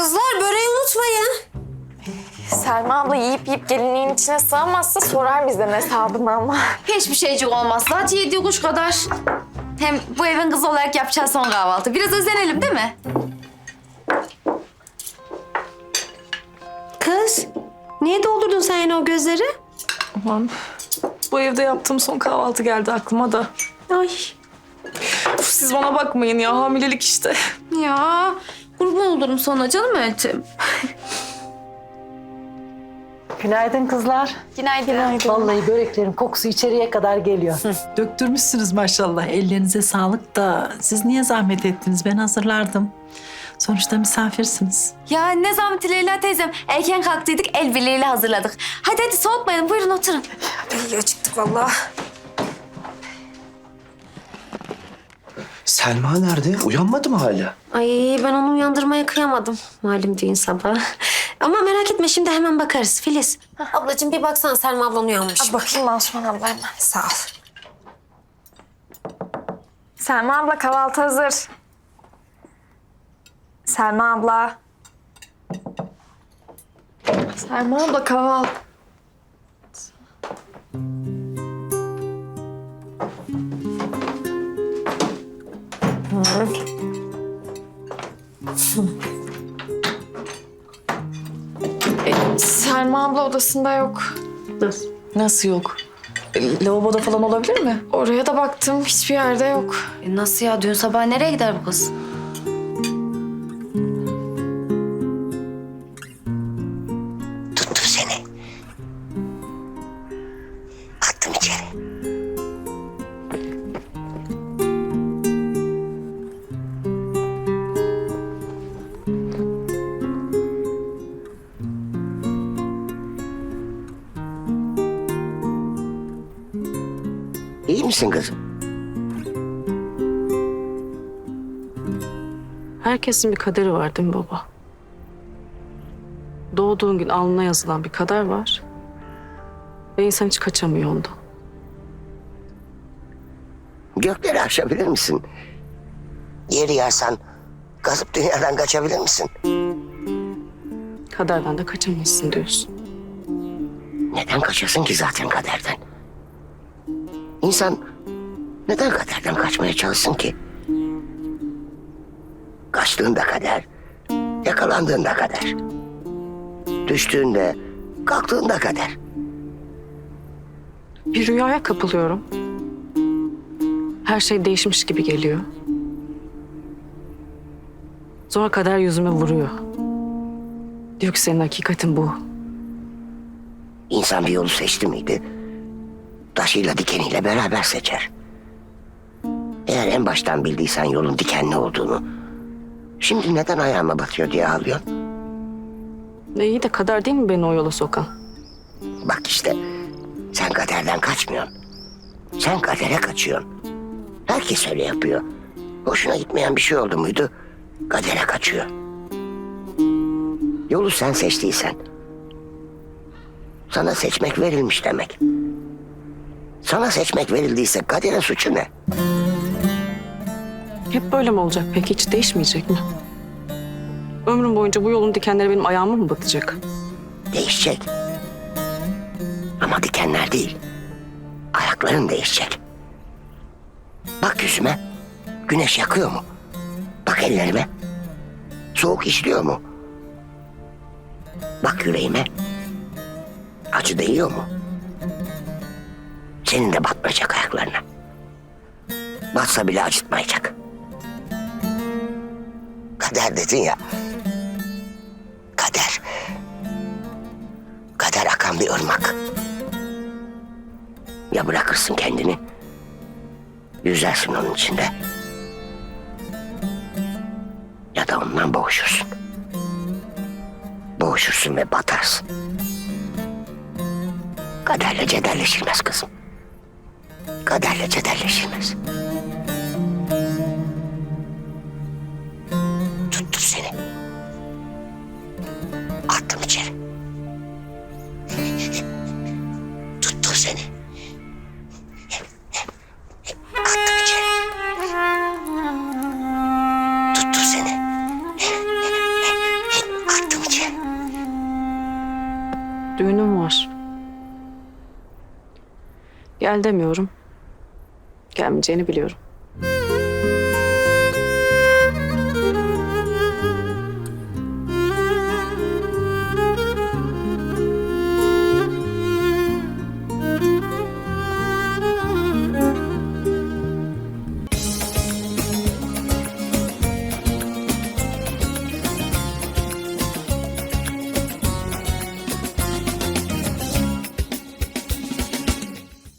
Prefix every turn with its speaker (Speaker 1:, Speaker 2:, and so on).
Speaker 1: Kızlar böreği unutmayın.
Speaker 2: Selma abla yiyip gelinliğin içine sığamazsa sorar bizden hesabını ama.
Speaker 1: Hiçbir şeycik olmaz. Zaten yediği kuş kadar. Hem bu evin kızı olarak yapacağız son kahvaltı. Biraz özenelim değil mi? Kız, niye doldurdun sen yine o gözleri?
Speaker 3: Aman bu evde yaptığım son kahvaltı geldi aklıma da.
Speaker 1: Ay.
Speaker 3: Uf, siz bana bakmayın ya, hamilelik işte.
Speaker 1: Ya kurban olurum sana canım eltim.
Speaker 4: Günaydın kızlar.
Speaker 2: Günaydın.
Speaker 4: Vallahi böreklerin kokusu içeriye kadar geliyor.
Speaker 5: Döktürmüşsünüz maşallah. Ellerinize sağlık da siz niye zahmet ettiniz? Ben hazırlardım. Sonuçta misafirsiniz.
Speaker 1: Ya ne zahmeti Leyla teyzem. Erken kalktıydık, el birliğiyle hazırladık. Hadi soğutmayalım, buyurun oturun. İyi acıktık vallahi.
Speaker 6: Selma nerede? Uyanmadı mı hala?
Speaker 1: Ay ben onu uyandırmaya kıyamadım. Malum düğün sabahı. Ama merak etme şimdi hemen bakarız Filiz. Ablacığım bir baksana Selma ablan uyanmış.
Speaker 2: Bakayım Asuman abla hemen.
Speaker 1: Sağ ol.
Speaker 2: Selma abla kahvaltı hazır. Selma abla. Selma abla kahvaltı. Selma abla odasında yok.
Speaker 3: Nasıl yok? Lavaboda falan olabilir mi?
Speaker 2: Oraya da baktım hiçbir yerde yok.
Speaker 1: Nasıl ya? Dün sabah nereye gider bu kız?
Speaker 7: Tuttum seni. Attım içeri. İyi misin kızım?
Speaker 8: Herkesin bir kaderi var değil mi baba? Doğduğun gün alnına yazılan bir kader var. Ve insan hiç kaçamıyor ondan.
Speaker 7: Gökleri aşabilir misin? Yeri yarsan kazıp dünyadan kaçabilir misin?
Speaker 8: Kaderden de kaçamazsın diyorsun.
Speaker 7: Neden kaçasın ki zaten kaderden? İnsan neden kaderden kaçmaya çalışsın ki? Kaçtığında kader, yakalandığında kader. Düştüğünde, kalktığında kader.
Speaker 8: Bir rüyaya kapılıyorum. Her şey değişmiş gibi geliyor. Sonra kader yüzüme vuruyor. Diyor ki senin hakikatin bu.
Speaker 7: İnsan bir yolu seçti miydi? Taşıyla dikeniyle beraber seçer. Eğer en baştan bildiysen yolun dikenli olduğunu, şimdi neden ayağıma batıyor diye ağlıyorsun?
Speaker 8: Ne iyi de kader değil mi beni o yola sokan?
Speaker 7: Bak işte, sen kaderden kaçmıyorsun. Sen kadere kaçıyorsun. Herkes öyle yapıyor. Hoşuna gitmeyen bir şey oldu muydu, kadere kaçıyor. Yolu sen seçtiysen, sana seçmek verilmiş demek. Sana seçmek verildiyse kaderin suçu ne?
Speaker 8: Hep böyle mi olacak peki? Hiç değişmeyecek mi? Ömrüm boyunca bu yolun dikenleri benim ayağıma mı batacak?
Speaker 7: Değişecek. Ama dikenler değil. Ayakların değişecek. Bak yüzüme. Güneş yakıyor mu? Bak ellerime. Soğuk işliyor mu? Bak yüreğime. Acı değiyor mu? Senin de batmayacak ayaklarına. Batsa bile acıtmayacak. Kader dedin ya. Kader. Kader akan bir ırmak. Ya bırakırsın kendini, yüzersin onun içinde. Ya da ondan boğuşursun. Boğuşursun ve batarsın. Kaderle cederleşilmez kızım. Kaderle cederleşilmez. Tuttum seni. Attım içeri. Tuttum seni. Attım içeri. Tuttum seni.
Speaker 8: Düğünüm var. Gel demiyorum. Gelmeyeceğini biliyorum.